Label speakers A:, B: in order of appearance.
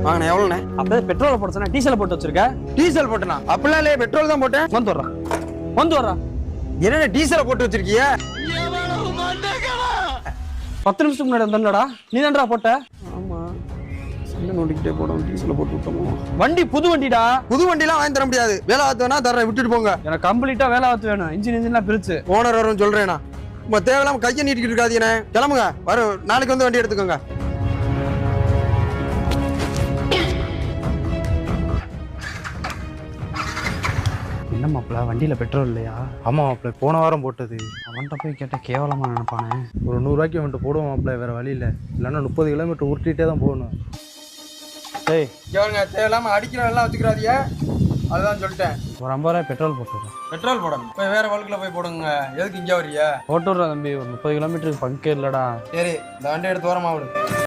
A: வாங்கண்ணே எவ்வளோண்ணே?
B: அப்போ பெட்ரோலை போட சொன்னா டீசல் போட்டு வச்சிருக்க.
A: டீசல் போட்டேனா? அப்படிலாம் இல்லையே, பெட்ரோல் தான் போட்டேன்.
B: வந்து வர்றா.
A: என்னண்ணே டீசலை போட்டு வச்சிருக்கிய?
B: 10 நிமிஷத்துக்கு முன்னாடி வந்தா நீ தான்டா போட்ட.
A: ஆமா, சண்டை நோண்டிக்கிட்டே போடும். டீசலை போட்டு விட்டோமோ?
B: வண்டி புது வண்டிடா.
A: புது வண்டிலாம் வாங்கி தர முடியாது. வேலை ஆத்துவேனா தர்றேன், விட்டுட்டு போங்க.
B: எனக்கு கம்ப்ளீட்டா வேலை ஆத்து வேணும். இன்ஜின்லாம் பிரிச்சு
A: ஓனர் வரும் சொல்றேனா. உங்க தேவையில்லாம கையை நீட்டிக்கிட்டு இருக்காதீங்கண்ணே. கிளம்புங்க, நாளைக்கு வந்து வண்டி எடுத்துக்கோங்க.
B: என்ன மாப்பிள்ள, வண்டியில பெட்ரோல் இல்லையா?
C: ஆமா மாப்பிள்ள, போன வாரம் போட்டது.
B: அவன்கிட்ட போய் கேட்டா கேவலமா நினைப்பானே.
C: ஒரு 100 ரூபாய்க்கு வந்துட்டு போடுவோம் மாப்பிள்ள, வேற வழி இல்லை. இல்லைன்னா 30 கிலோமீட்டர் உருட்டிகிட்டே தான் போகணும்.
B: ஏய்
A: கேளுங்க, தேவையில்லாம அடிக்கிற எல்லாம் வச்சுக்கிறாதீங்க. அதுதான் சொல்லிட்டேன்.
B: ஒரு 50 ரூபாய் பெட்ரோல் போட்டுடுறேன்.
A: பெட்ரோல் போடணும். போய் வேற வழுக்குல போய் போடுங்க. எதுக்கு இங்கே வர்றீங்க?
B: போட்டுடுறேன் தம்பி. ஒரு 30 கிலோமீட்டருக்கு பங்கே இல்லடா.
A: சரி, இந்த வண்டி எடுத்து ஓரமா விடு.